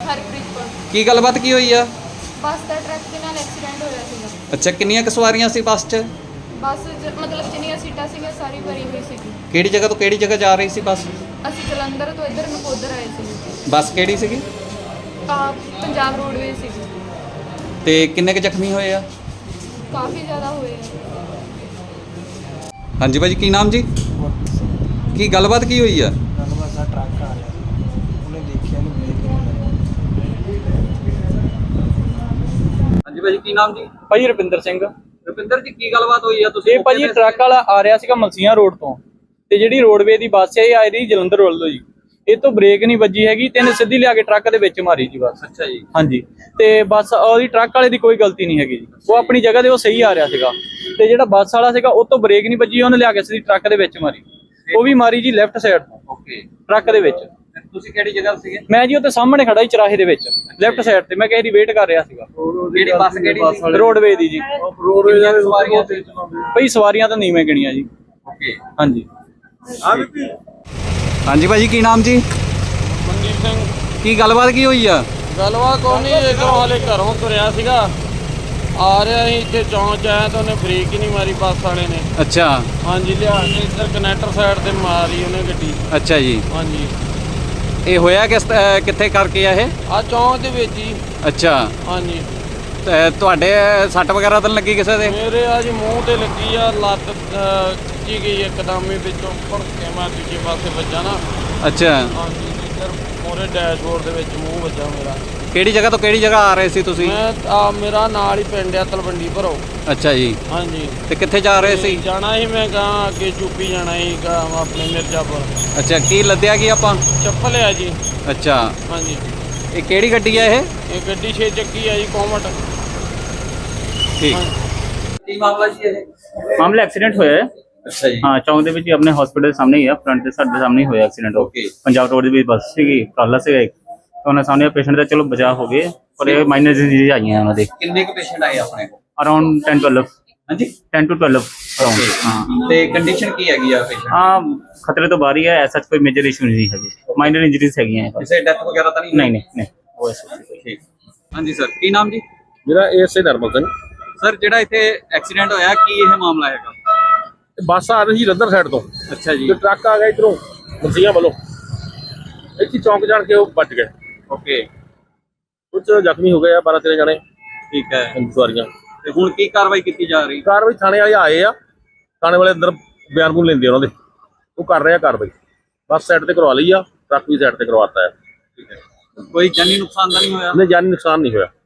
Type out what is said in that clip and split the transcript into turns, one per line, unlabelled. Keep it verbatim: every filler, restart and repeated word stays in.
ਹਰਪ੍ਰੀਤ ਕੌਰ।
ਕੀ ਗੱਲਬਾਤ ਕੀ ਹੋਈ ਆ?
ਬੱਸ ਦਾ ਟਰੱਕ ਦੇ ਨਾਲ ਐਕਸੀਡੈਂਟ ਹੋਇਆ ਸੀਗਾ।
ਅੱਛਾ, ਕਿੰਨੀਆਂ ਕੁ ਸਵਾਰੀਆਂ ਸੀ ਬੱਸ 'ਚ?
ਬੱਸ ਜ- ਮਤਲਬ ਜਿੰਨੀਆਂ ਸੀਟਾਂ ਸੀਗੀਆਂ ਸਾਰੀ ਭਰੀ ਹੋਈ ਸੀਗੀ।
ਕਿਹੜੀ ਜਗ੍ਹਾ ਤੋਂ ਕਿਹੜੀ ਜਗ੍ਹਾ ਜਾ ਰਹੀ ਸੀ ਬੱਸ?
ਅਸੀਂ ਜਲੰਧਰ ਤੋਂ ਇੱਧਰ ਨਕੋਦਰ ਆਏ ਸੀ।
ਬੱਸ ਕਿਹੜੀ ਸੀਗੀ?
ਆ ਪੰਜਾਬ ਰੋਡਵੇਜ਼ ਸੀਗੀ।
ਤੇ ਕਿੰਨੇ ਕੁ ਜ਼ਖਮੀ ਹੋਏ ਆ?
ਕਾਫੀ ਜ਼ਿਆਦਾ ਹੋਏ ਆ।
ਹਾਂਜੀ ਭਾਜੀ, ਕੀ ਨਾਮ ਜੀ? ਕੀ ਗੱਲਬਾਤ ਕੀ ਹੋਈ ਆ?
ਗੱਲਬਾਤ ਦਾ ਟਰੱਕ ਆ ਰਿਹਾ ਸੀ, ਉਹਨੇ ਦੇਖਿਆ ਨਹੀਂ ਬ੍ਰੇਕ ਨਹੀਂ ਲਾਈ।
ਹਾਂਜੀ ਭਾਜੀ, ਕੀ ਨਾਮ ਜੀ?
ਭਾਜੀ ਰੁਪਿੰਦਰ ਸਿੰਘ।
ਰੁਪਿੰਦਰ ਜੀ, ਕੀ ਗੱਲਬਾਤ ਹੋਈ ਆ? ਤੁਸੀਂ
ਇਹ ਭਾਜੀ ਟਰੱਕ ਵਾਲਾ ਆ ਰਿਹਾ ਸੀਗਾ ਮਲਸੀਆਂ ਰੋਡ ਤੋਂ, ਤੇ ਜਿਹੜੀ ਰੋਡਵੇ ਦੀ ਬੱਸ ਹੈ ਇਹ ਆ ਰਹੀ ਜਲੰਧਰ ਵੱਲੋਂ ਜੀ। ਇਹ ਤੋਂ ਬ੍ਰੇਕ ਨਹੀਂ ਵੱਜੀ ਹੈਗੀ ਤੇ ਇਹਨੇ ਸਿੱਧੀ ਲਿਆ ਕੇ ਟਰੱਕ ਦੇ ਵਿੱਚ ਮਾਰੀ ਜੀ ਬੱਸ।
ਅੱਛਾ ਜੀ।
ਹਾਂਜੀ, ਤੇ ਬੱਸ ਉਹਦੀ ਟਰੱਕ ਵਾਲੇ ਦੀ ਕੋਈ ਗਲਤੀ ਨਹੀਂ ਹੈਗੀ ਜੀ, ਉਹ ਆਪਣੀ ਜਗ੍ਹਾ ਤੇ ਉਹ ਸਹੀ ਆ ਰਿਹਾ ਸੀਗਾ। ਤੇ ਜਿਹੜਾ ਬੱਸ ਵਾਲਾ ਸੀਗਾ ਉਹ ਤੋਂ ਬ੍ਰੇਕ ਨਹੀਂ ਵੱਜੀ, ਉਹਨੇ ਲਿਆ ਕੇ ਸਿੱਧੀ ਟਰੱਕ ਦੇ ਵਿੱਚ ਮਾਰੀ। ਉਹ ਵੀ ਮਾਰੀ ਜੀ ਲੈਫਟ ਸਾਈਡ ਤੋਂ
ਓਕੇ।
ਟਰੱਕ ਦੇ ਵਿੱਚ।
ਤੁਸੀਂ ਕਿਹੜੀ ਜਗ੍ਹਾ ਸੀਗੇ?
ਮੈਂ ਜੀ ਉੱਥੇ ਸਾਹਮਣੇ ਖੜਾ ਸੀ ਚਰਾਹੇ ਦੇ ਵਿੱਚ ਲੈਫਟ ਸਾਈਡ ਤੇ, ਮੈਂ ਕਿਸੇ ਦੀ ਵੇਟ ਕਰ ਰਿਹਾ ਸੀਗਾ।
ਕਿਹੜੀ ਬੱਸ ਕਿਹੜੀ ਸੀ?
ਰੋਡਵੇ ਦੀ ਜੀ।
ਕਿੰਨੀਆਂ ਕੁ ਸਵਾਰੀਆਂ ਸੀ?
ਭਾਈ ਸਵਾਰੀਆਂ ਤਾਂ ਨਹੀਂ ਮੈਂ ਗਿਣੀਆਂ ਜੀ।
ਓਕੇ।
ਹਾਂਜੀ।
ਹਾਂਜੀ ਭਾਜੀ, ਕੀ ਨਾਮ ਜੀ?
ਮਨਦੀਪ ਸਿੰਘ।
ਕੀ ਗੱਲਬਾਤ ਕੀ ਹੋਈ ਆ?
ਗੱਲਬਾਤ ਕੋਈ ਨਹੀਂ, ਇੱਧਰੋਂ ਹਾਲੇ ਘਰੋਂ ਤੁਰਿਆ ਸੀਗਾ, ਆ ਰਿਹਾ ਸੀ ਇੱਥੇ ਚੌਂਚ ਆਇਆ ਤਾਂ ਉਹਨੇ ਬ੍ਰੇਕ ਹੀ ਨਹੀਂ ਮਾਰੀ ਬੱਸ ਵਾਲੇ ਨੇ।
ਅੱਛਾ।
ਹਾਂਜੀ, ਲਿਆ ਕੇ ਇੱਧਰ ਕਨੈਕਟਰ ਸਾਈਡ ਤੇ ਮਾਰੀ ਉਹਨੇ ਗੱਡੀ।
ਅੱਛਾ ਜੀ।
ਹਾਂਜੀ,
ਇਹ ਹੋਇਆ ਕਿਸ ਅਹ ਕਿੱਥੇ ਕਰਕੇ ਆ ਇਹ?
ਆ ਚੌਂਚ ਦੇ ਵਿੱਚ ਹੀ।
ਅੱਛਾ।
ਹਾਂਜੀ,
ਤੇ ਤੁਹਾਡੇ ਸੱਟ ਵਗੈਰਾ ਤਾਂ ਨੀ ਲੱਗੀ ਕਿਸੇ ਦੇ?
ਮੇਰੇ ਆ ਜੀ ਮੂੰਹ ਤੇ ਲੱਗੀ ਆ, ਲੱਤ ਅਹ, ਖਿੱਚੀ ਗਈ ਇੱਕਦਮ ਹੀ, ਵਿੱਚੋਂ ਭੜ ਕੇ ਮੈਂ ਦੂਜੇ ਪਾਸੇ ਵੱਜਾ ਨਾ।
ਅੱਛਾ।
ਹਾਂਜੀ, ਇੱਧਰ ਮੋਰੇ ਡੈਸ਼ਬੋਰਡ ਦੇ ਵਿੱਚ ਮੂੰਹ ਵੱਜਾ ਮੇਰਾ।
ਕਿਹੜੀ ਜਗ੍ਹਾ ਤੋਂ ਕਿਹੜੀ ਜਗ੍ਹਾ ਆ ਰਹੇ ਸੀ ਤੁਸੀਂ?
ਮੈਂ ਆ ਮੇਰਾ ਨਾਲ ਹੀ ਪਿੰਡ ਆ ਤਲਵੰਡੀ ਭਰੋ।
ਅੱਛਾ ਜੀ।
ਹਾਂਜੀ,
ਤੇ ਕਿੱਥੇ ਜਾ ਰਹੇ ਸੀ?
ਜਾਣਾ ਸੀ ਮੈਂ ਗਾਂ ਅੱਗੇ ਯੂਪੀ ਜਾਣਾ ਸੀ ਗਾਂ ਆਪਣੇ ਮਿਰਜ਼ਾਪੁਰ।
ਅੱਛਾ, ਕੀ ਲੱਦਿਆ ਕੀ ਆਪਾਂ?
ਚੱਪਲ ਆ ਜੀ।
ਅੱਛਾ।
ਹਾਂਜੀ,
ਇਹ ਕਿਹੜੀ ਗੱਡੀ ਆ ਇਹ?
ਇਹ ਗੱਡੀ ਛੇ ਚੱਕੀ ਆ ਜੀ, ਕੋਮਟ।
ਠੀਕ। ਕੀ ਮਾਮਲਾ ਜੀ ਇਹ?
ਮਾਮਲਾ ਐਕਸੀਡੈਂਟ ਹੋਇਆ ਹੈ।
ਅੱਛਾ ਜੀ।
ਹਾਂ, ਚੌਂਕ ਦੇ ਵਿੱਚ ਹੀ ਆਪਣੇ ਹਸਪੀਟਲ ਦੇ ਸਾਹਮਣੇ ਹੀ ਆ, ਫਰੰਟ ਦੇ ਸਾਡੇ ਸਾਹਮਣੇ ਹੀ ਹੋਇਆ ਐਕਸੀਡੈਂਟ।
ਓਕੇ।
ਪੰਜਾਬ ਰੋਡ ਦੇ ਵਿੱਚ ਬੱਸ ਸੀਗੀ, ਕਾਲਾ ਸੀਗਾ ਇੱਕ, ਤਾਂ ਉਹਨਾਂ ਸਾਹਮਣੇ ਪੇਸ਼ੈਂਟ ਦਾ ਚਲੋ ਬਚਾਅ ਹੋ ਗਏ, ਪਰ ਇਹ ਮਾਈਨਰ ਡਿਜ਼ੀਜ਼ ਆਈਆਂ ਉਹਨਾਂ ਦੇ।
ਕਿੰਨੇ ਕੁ ਪੇਸ਼ੈਂਟ ਆਏ ਆਪਣੇ ਕੋਲ?
Around ten twelve.
ਹਾਂਜੀ,
ਟੈਨ ਟੂ ਟਵੈਲਵ ਅਰਾਊਂਡ। ਹਾਂ
ਤੇ ਕੰਡੀਸ਼ਨ ਕੀ ਹੈਗੀ ਆ ਪੇਸ਼ੈਂਟ?
ਹਾਂ, ਖਤਰੇ ਤੋਂ ਬਾਹਰ ਹੀ ਹੈ, ਐਸਾ ਕੋਈ ਮੇਜਰ ਇਸ਼ੂ ਨਹੀਂ ਹੈਗੇ, ਮਾਈਨਰ ਇੰਜਰੀਜ਼ ਹੈਗੀਆਂ ਹੈ।
ਕਿਸੇ ਡੈਥ ਵਗੈਰਾ ਤਾਂ ਨਹੀਂ?
ਨਹੀਂ ਨਹੀਂ ਨਹੀਂ, ਉਹ ਐਸਾ ਕੋਈ।
ਠੀਕ। ਹਾਂਜੀ ਸਰ, ਕੀ ਨਾਮ ਜੀ?
ਮੇਰਾ ਏਐਸਏ ਨਰਮਲ ਸਿੰਘ।
ਸਰ, ਜਿਹੜਾ ਇੱਥੇ ਐਕਸੀਡੈਂਟ ਹੋਇਆ, ਕੀ ਇਹ ਮਾਮਲਾ ਹੈਗਾ?
ਬੱਸ ਆ ਰਹੀ ਸੀ ਜਲੰਧਰ ਸਾਈਡ ਤੋਂ,
ਅੱਛਾ ਜੀ।
ਤੇ ਟਰੱਕ ਆ ਗਿਆ ਇਧਰੋਂ ਮਲਸੀਆਂ ਵੱਲੋਂ, ਇੱਥੇ ਚੌਂਕ ਜਾਣ ਕੇ ਉਹ ਵੱਜ ਗਏ।
ਓਕੇ।
ਕੁਝ ਜ਼ਖਮੀ ਹੋ ਗਏ ਆ, ਬਾਰਾਂ ਤੇਰਾਂ ਜਣੇ
ਠੀਕ ਹੈ।
ਸਵਾਰੀਆਂ।
ਤੇ ਹੁਣ ਕੀ ਕਾਰਵਾਈ ਕੀਤੀ ਜਾ ਰਹੀ?
ਕਾਰਵਾਈ ਥਾਣੇ ਵਾਲੇ ਆਏ ਆ, ਥਾਣੇ ਵਾਲੇ ਅੰਦਰ ਬਿਆਨ ਬੂਨ ਲੈਂਦੇ ਉਹਨਾਂ ਦੇ, ਉਹ ਕਰ ਰਹੇ ਆ ਕਾਰਵਾਈ। ਬੱਸ ਸਾਈਡ ਤੇ ਕਰਵਾ ਲਈ ਆ, ਟਰੱਕ ਵੀ ਸਾਈਡ ਤੇ ਕਰਵਾਤਾ ਹੈ।
ਠੀਕ ਹੈ। ਕੋਈ ਜਾਨੀ ਨੁਕਸਾਨ ਤਾਂ ਨਹੀਂ ਹੋਇਆ?
ਨਹੀਂ, ਜਾਨੀ ਨੁਕਸਾਨ ਨਹੀਂ ਹੋਇਆ।